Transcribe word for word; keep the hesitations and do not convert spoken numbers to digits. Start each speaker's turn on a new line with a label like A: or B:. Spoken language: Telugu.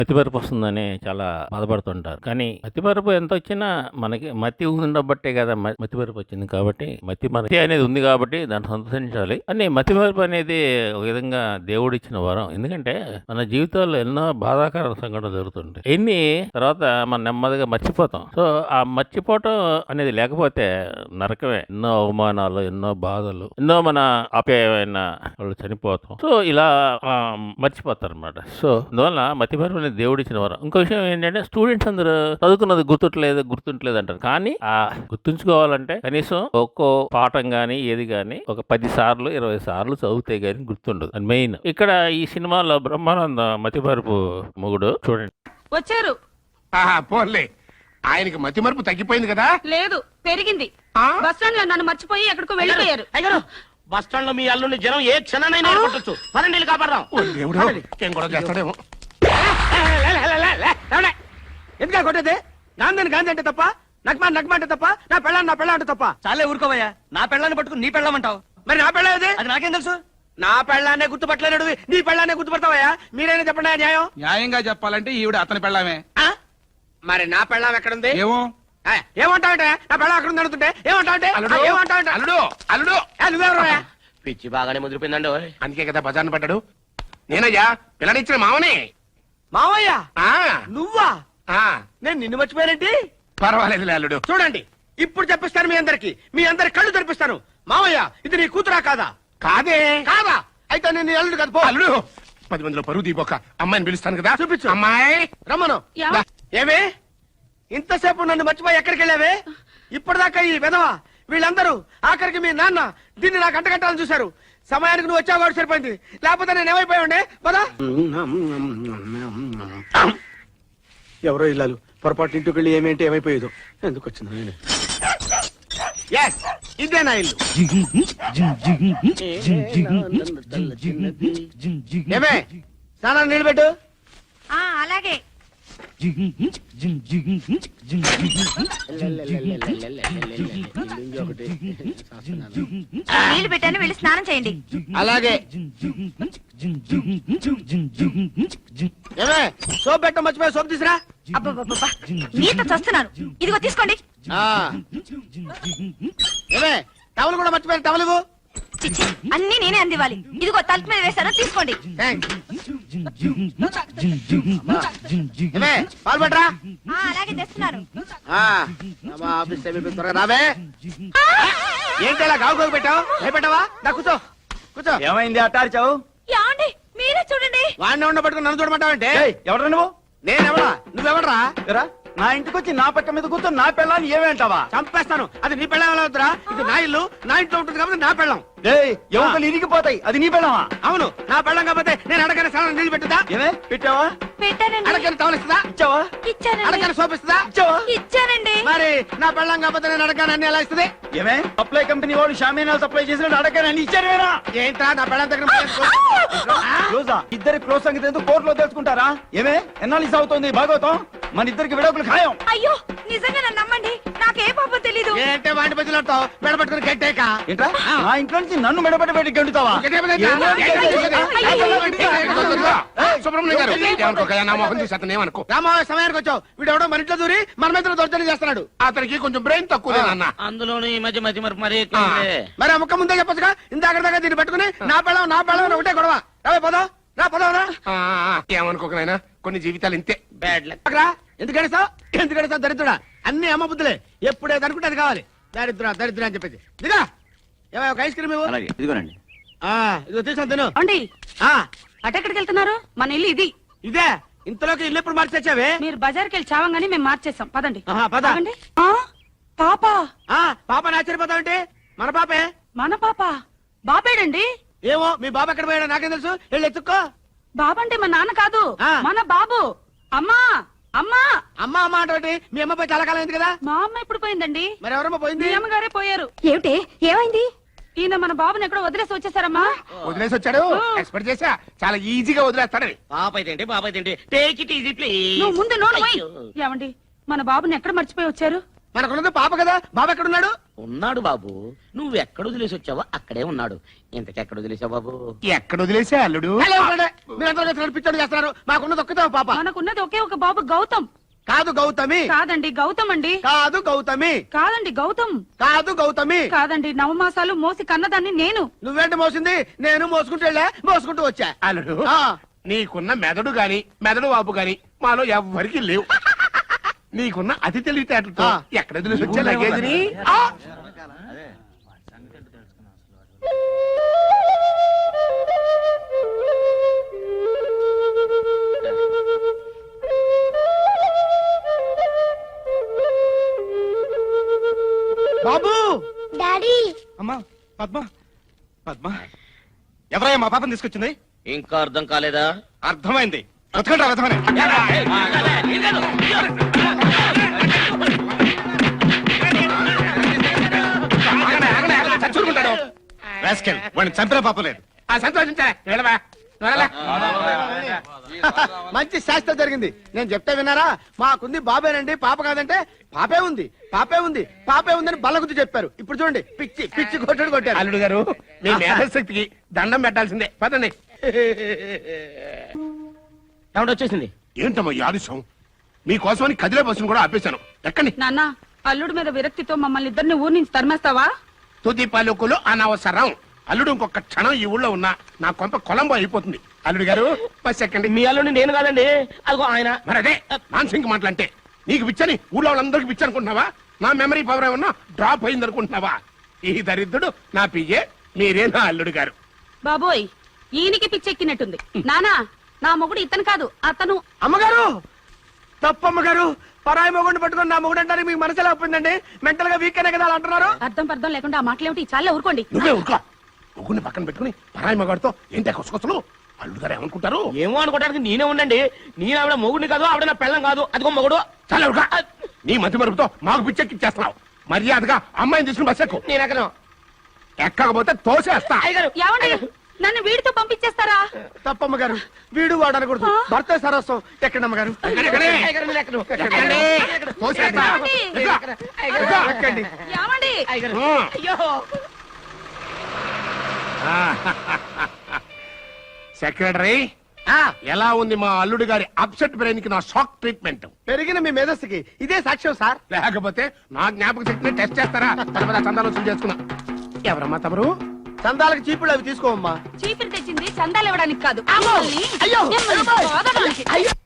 A: మతిమరుపు వస్తుందని చాలా బాధపడుతుంటారు. కానీ మతిమరుపు ఎంత వచ్చినా మనకి మతి ఉండబట్టే కదా మ- మతిమరుపు వచ్చింది. కాబట్టి మతి మతి అనేది ఉంది కాబట్టి దాన్ని సంతోషించాలి. అని మతిమరుపు అనేది ఒక విధంగా దేవుడు ఇచ్చిన వరం. ఎందుకంటే మన జీవితాల్లో ఎన్నో బాధాకర సంఘటనలు జరుగుతుంటాయి. ఎన్ని తర్వాత మనం నెమ్మదిగా మర్చిపోతాం. సో ఆ మర్చిపోవటం అనేది లేకపోతే నరకమే. ఎన్నో అవమానాలు, ఎన్నో బాధలు, ఎన్నో మన ఆప్యాయమైన వాళ్ళు చనిపోతాం. సో ఇలా ఆ, మర్చిపోతారు అనమాట. సో అందువల్ల మతిమరుపు అనేది దేవుడు ఇచ్చిన వరం. ఇంకో విషయం ఏంటంటే స్టూడెంట్స్ అందరూ చదువుకున్నది గుర్తుంటలేదు గుర్తుంటలేదు అంటారు. కానీ ఆ గుర్తుంచుకోవాలంటే కనీసం ఒక్కో పాఠం గానీ ఏది గానీ ఒక పది సార్లు ఇరవై సార్లు చదివితే గానీ గుర్తుండదు. అది మెయిన్. ఇక్కడ ఈ సినిమాలో బ్రహ్మానంద మతిమరుపు మొగుడు చూడండి.
B: వచ్చారు.
C: ఆహా, పోన్లే. ఆయనకి మతి మరుపు తగ్గిపోయింది కదా.
B: లేదు, పెరిగింది.
C: ఆ?
B: బస్ స్టాండ్ లో నన్ను మర్చిపోయి ఎక్కడికో వెళ్ళిపోయారు.
D: అయ్యారు బస్ స్టాండ్ లో మీ అల్లుని జనం ఏ క్షణానైనా ఏర్పడచ్చు. పన్నెండు కాపాడదాం.
C: ఓ దేవుడు, ఏం కూడా చేస్తాడేమో.
D: ఎందుకా కొట్టేది? గాంధీ గాంధీ అంటే తప్ప, నగ్మా నగ్మా అంటే తప్ప, నా పెళ్ళాన్ని నా పెళ్ళ అంటే తప్ప. చాలే ఊరుకోవయ్యా. నా పెళ్ళాన్ని పట్టుకుని నీ పెళ్ళమంటావు. మరి నా పెళ్ళ ఏది? అది నాకేం తెలుసు. నా పెళ్ళాన్నే గుర్తుపట్టలేడు, నీ పెళ్ళాన్నే గుర్తుపడతావయ్యా. మీరైనా చెప్పండి న్యాయం.
E: న్యాయంగా చెప్పాలంటే ఈవిడ అతని పెళ్ళామే.
D: ఆ? మరి నా పెళ్ళాం ఎక్కడుంది?
E: ఏమో
D: ఏమంటావంటే నా పెళ్ళం అక్కడ ఉంది అడుగుతుంటే ఏమంటావంటే
C: అల్లుడు,
D: ఏమంటావంటే
C: అల్లుడు అల్లుడు
D: నువ్వెవరు? పిచ్చి బాగానే ముదిరిపోయిందండి.
C: అందుకే కదా బజార్ను పడ్డాడు. నేనయ్యా పిల్లనిచ్చిన మామనే.
D: మావయ్య
C: ఆ,
D: నువ్వా?
C: ఆ,
D: నేను నిన్ను మర్చిపోయానంటే.
C: పర్వాలేదు అల్లుడు.
D: చూడండి, ఇప్పుడు చెప్పిస్తాను మీ అందరికి, మీ అందరి కళ్ళు తెరిపిస్తాను. మావయ్య, ఇది నీ కూతురా కాదా?
C: కాదే.
D: కాదా? అయితే నేను నీ అల్లుడు కదా. పో.
C: అల్లుడు, పది మందిలో పరువు దీపోక అమ్మాయిని పిలుస్తాను కదా.
D: చూపించు.
C: అమ్మాయి
D: రమ్మను.
B: యా.
D: ఏమే ఇంతసేపు నన్ను మర్చిపోయి ఎక్కడికి వెళ్ళావే? ఇప్పటిదాకా ఈ విధవ వీళ్ళందరూ, ఆఖరికి మీ నాన్న దీన్ని నాకు అంటగట్టాలని చూశారు. సమయానికి నువ్వు వచ్చావు కాబట్టి సరిపోయింది, లేకపోతే నేను ఏమైపోయి ఉండే. పదా. ఎవరో ఇల్లాలు పొరపాటు ఇంటికి వెళ్ళి ఏమేంటి ఏమైపోయేదో. ఎందుకు వచ్చింది నేను? Yes, ఇదే నా ఇల్లు. ఏమే స్నానాన్ని నీళ్ళు పెట్టు.
B: అలాగే. నీళ్లు పెట్టాను, వెళ్ళి స్నానం చేయండి.
D: అలాగే. ఏమే సోప్ పెట్ట మర్చిపోయి సోప్ తీసురా.
B: అబ్బబ్బబ్బబ్బా, నీతో చస్తున్నాను. ఇదిగో తీసుకోండి.
D: ఆ. ఏమే టవల్ కూడా మర్చిపోయి టవల్ ఇవ్వు.
B: చిచ్చి, అన్ని నేనే అందివ్వాలి. ఇదిగో తలుపు మీద వేశాను, తీసుకోండి.
D: థాంక్స్. ఏమే పాలు పట్టరా.
B: ఆ, అలాగే తెస్తున్నాను.
D: ఆ, అమ్మా, ఆఫీస్ టైం అయిపోయింది, త్వరగా రావే. ఏంటి అలా గావు గావు పెట్టావు? భయపెట్టావా? నా కూర్చో కూర్చో.
E: ఏమైంది అట్టారిచావు?
B: యాండి, మీరే చూడండి.
D: వాడిని ఉండ పట్టుకుని నన్ను చూడమంటావంటే?
E: ఎవరు నువ్వు?
D: నేనెవడా? నువ్వెవడరా?
E: ఎరా, నా ఇంటికి వచ్చి నా పక్క మీద కూర్చొని నా పెళ్ళాన్ని ఏమేంటావా?
D: చంపేస్తాను. అది నీ పెళ్ళం ఎలా అవుతురా? ఇది నా ఇల్లు, నా ఇంట్లో ఉంటుంది కాబట్టి నా పెళ్ళం.
E: ఎవరు ఇరిగిపోతాయి, అది నీ పెళ్ళావా?
D: అవును, నా పెళ్ళం కాకపోతే నేను అడగని స్నానం నీళ్ళు పెట్టుదా?
E: ఏమే పెట్టావా?
B: పెట్టానండి.
D: అడగని టవలిస్తుందా?
E: ఇచ్చావా?
B: ఇచ్చానండి.
D: అడగని సోప్ ఇస్తుందా?
E: ఇచ్చావా?
B: ఇచ్చానండి.
D: మరి నా పెళ్ళం కాకపోతే నేను అడగని అన్ని ఎలా ఇస్తుంది?
E: ఏమే సప్లై కంపెనీ వాడు షామీనాలు సప్లై చేసిన అడగని ఇచ్చారు.
D: ఏంట్రా నా పెళ్ళం దగ్గర
E: క్లోజా? ఇద్దరి క్లోజ్ సంగతి ఎందుకు కోర్టులో తెలుసుకుంటారా? ఏమే ఎన్నాళ్ళు అవుతుంది భాగవతం? మన ఇద్దరికి విడాకులు ఖాయం.
B: అయ్యో, నిజంగా నన్ను నమ్మండి, నాకే పాపం తెలీదు.
D: ఏంటే వాటి మధ్యలో మెడపట్టుకుని గట్టేక
E: ఏంట్రా నా ఇంట్లో నుంచి నన్ను మెడపట్టి బయటికి గెంటుతావా?
C: సుబ్రహ్మణ్యం గారు ఏమనుకోకయ్యా, నా మొహం చూసి అతను ఏమనుకో.
D: రామావయ సమయానికి వచ్చావు. వీడు ఎవడో మన ఇంట్లో దూరి మన మీద దొరచని చేస్తున్నాడు.
C: అతనికి కొంచెం బ్రెయిన్ తక్కువ అన్న.
D: అందులోనూ ఈ మధ్య మధ్య మరి మరి మరి ఆ ముక్క ముందే చెప్పొచ్చుగా. ఇందాక దాకా దీన్ని పెట్టుకుని నా పెళ్ళం నా పెళ్ళం ఒకటే గొడవ. రావే పోదాం, రా పోదాం రా.
C: ఏమనుకోకనైనా, కొన్ని జీవితాలు ఇంతే.
D: Bad luck. ఎందుకంటే సార్ ఎందుకంటే సార్ దరిద్రుడా, అన్ని అమ్మ బుద్ధులే. ఎప్పుడేది అనుకుంటే అది కావాలి. దరిద్ర దరిద్ర అని చెప్పేసి దిగా. ఏమో ఒక ఐస్ క్రీమ్ ఇవ్వు.
E: ఇదిగోనండి.
D: ఆ, ఇదిగో తీసుకొని తిను.
B: అండి,
D: ఆ,
B: అటెక్కడికి వెళ్తున్నారు? మన ఇల్లు ఇది.
D: ఇదే ఇంతలోకి ఇల్లు ఎప్పుడు మార్చి తెచ్చావే?
B: మీరు బజార్కి వెళ్ళి చావంగానే మేము మార్చేసాం. పదండి.
D: ఆహా, పద.
B: ఆగండి. ఆ, పాప.
D: ఆ, పాపని ఆశ్చర్యపోతావంటే మన పాపే.
B: మన పాప బాబేడండి.
D: ఏమో మీ బాబు ఎక్కడ పోయాడో నాకేం తెలుసు. వెళ్ళి ఎత్తుక్కో.
B: బాబంటే మా నాన్న కాదు,
D: ఆ.
B: మన బాబు. అమ్మా అమ్మా.
D: అమ్మ అమ్మ అంటే మీ అమ్మ పోయి చాలా కాలం అయింది కదా.
B: మా అమ్మ ఇప్పుడు పోయిందండి.
D: మరి ఎవరమ్మ పోయింది?
B: మీ అమ్మగారే పోయారు. ఏమిటి, ఏమైంది? ఈయన మన బాబుని ఎక్కడో వదిలేసి వచ్చేసారమ్మా.
C: వదిలేసి వచ్చాడు. ఎక్స్పెక్ట్ చేసా చాలా ఈజీగా వదిలేస్తాడని.
D: పాప ఏంటి బాబా ఏంటి? Take it easy please.
B: నువ్వు ముందు నోరు పోయి. ఏమండి, మన బాబుని ఎక్కడ మర్చిపోయి వచ్చారు?
D: మనకున్నది పాప కదా, బాబు ఎక్కడున్నాడు?
F: ఉన్నాడు బాబు. నువ్వు ఎక్కడ వదిలేసి వచ్చావో అక్కడే ఉన్నాడు. ఇంతకెక్కడ వదిలేసావు బాబు?
C: ఎక్కడ వదిలేసే అల్లుడు
D: మీరందరూ పిచ్చోడు చేస్తున్నారు. మాకున్నది ఒక్కతే ఒక పాప.
B: మనకున్నది ఒకే ఒక బాబు గౌతమ్.
D: కాదు గౌతమి.
B: కాదండి గౌతమ్ అండి.
D: కాదు గౌతమి.
B: కాదండి గౌతమ్.
D: కాదు గౌతమి.
B: కాదండి నవమాసాలు మోసి కన్నదాన్ని నేను.
D: నువ్వేంటి మోసింది? నేను మోసుకుంటూ వెళ్ళా, మోసుకుంటూ వచ్చా.
C: అల్లుడు
D: ఆ,
C: నీకున్న మెదడు గాని మెదడు వాపు గాని మాలో ఎవ్వరికి లేవు. నీకున్న అతి తెలివితేటలతో
D: ఆ.
C: ఎక్కడ వదిలేసి వచ్చే లగేజ్ని ఆ!
D: బాబు.
G: డాడీ
E: అమ్మా పద్మ పద్మ ఎవరయ్యా మా పాపని తీసుకొచ్చింది?
F: ఇంకా అర్థం కాలేదా?
E: అర్థమైంది. బతకండి అర్థమని.
C: ఆగండి, ఆగండి, ఆగండి, చచ్చుకుంటాడు.
E: రాస్కెల్, వాడిని చంపిన పాప లేదు.
C: ఆ సంతోషించారా వెళ్ళవా వెళ్ళవా.
D: మంచి శాస్త్రం జరిగింది. నేను చెప్తే విన్నారా? మాకుంది బాబేనండి, పాప కాదంటే పాపే ఉంది, పాపే ఉంది, పాపే ఉందని బల్ల గుర్తు చెప్పారు. ఇప్పుడు చూడండి, పిచ్చి పిచ్చి కొట్టడు కొట్టారు.
C: అల్లుడు గారు మీ మేధశక్తికి దండం పెట్టాల్సిందే. పదండి.
F: ఏమంటే వచ్చేసింది.
C: ఏంటమ్మా ఈ ఆలస్యం? మీకోసమని కదిలే బస్సును కూడా ఆపేశాను. ఎక్కండి.
B: నాన్న అల్లుడి మీద విరక్తితో మమ్మల్ని ఇద్దరిని ఊరి నుంచి తరిమేస్తావా?
C: తుది పలుకులు అనవసరం. అల్లుడు ఇంకొక క్షణం ఈ ఊళ్ళో ఉన్నా నా కొంప కొలంబో అయిపోతుంది. అల్లుడు గారు బస్ ఎక్కండి.
F: మీ అల్లుడిని నేను కాదండి, అదిగో ఆయన.
C: మరి అదే మాన్సింగ్ మాటలంటే. నీకు పిచ్చని ఊళ్ళో వాళ్ళందరికి పిచ్చి అనుకుంటున్నావా? నా మెమరీ పవర్ ఏమన్నా డ్రాప్ అయింది అనుకుంటున్నావా? ఈ దరిద్రుడు నా పియ్యే, మీరే నా అల్లుడు గారు.
B: బాబోయ్ ఈయనకి పిచ్చెక్కినట్టుంది. నానా నా మొగుడు ఇతను కాదు అతను.
D: అమ్మగారు తప్పమ్మగారు, పరాయి మొగుడిని పట్టుకొని నా మొగుడు అంటారు. మీకు మనసు ఎలా ఒప్పిందండి? మెంటల్ గా వీక్ అనే కదా అలా అంటున్నారు.
B: అర్థం పర్థం లేకుండా ఆ మాటలేమిటి? చాలా ఊరుకోండి.
C: నువ్వే ఊరుకో. ముగ్గురిని పక్కన పెట్టుకుని పరాయి మగాడితో ఏంటి కొసకొసలు? అల్లుడు గారు ఏమనుకుంటారు?
F: ఏమో అనుకోవడానికి నేనే ఉండండి. నేను ఆవిడ మొగుడిని కాదు, ఆవిడ నా పెళ్ళం కాదు. అదిగో మొగుడు.
C: చాలా ఊరుకో. నీ మతి మరుపుతో మాకు పిచ్చెక్కిచ్చేస్తున్నావు. మర్యాదగా అమ్మాయిని తీసుకుని బస్ ఎక్కు.
F: నేను ఎక్కను.
C: ఎక్కకపోతే తోసేస్తా.
F: అయ్యగారు
B: ఏమండి నన్ను వీడితో పంపించేస్తారా?
D: తప్పమ్మగారు, వీడు వాడు అనకూడదు. భర్త సరస్వం. ఎక్కండి అమ్మగారు,
C: ఎక్కడి, ఎక్కడి?
F: అయ్యగారు నేను ఎక్కను.
C: ఎక్కండి. తోసేస్తా.
B: ఏమండి?
C: ఎక్కు.
D: ఎక్కు. ఎక్కండి.
B: ఏమండి
F: అయ్యగారు
C: ఆ.
F: అయ్యో.
C: సెక్రటరీ
D: ఆ,
C: ఎలా ఉంది మా అల్లుడు గారి అప్సెట్ బ్రెయిన్ కి నా షాక్ ట్రీట్మెంట్?
D: పెరిగిన మీ మేధస్సుకి ఇదే సాక్ష్యం సార్.
C: లేకపోతే నా జ్ఞాపక శక్తిని టెస్ట్ చేస్తారా? పద చందాలు వసూలు చేసుకున్నా. ఎవరమ్మా తమరు?
D: చందాలకు చీపుళ్ళు అవి తీసుకోమ్మా.
B: చీపిరి తెచ్చింది చందాలు ఇవ్వడానికి కాదు,
D: అమ్మో!
B: మిమ్మల్ని-
D: అయ్యో!
B: మిమ్మల్ని
D: అయ్యో!
B: బాధడానికి.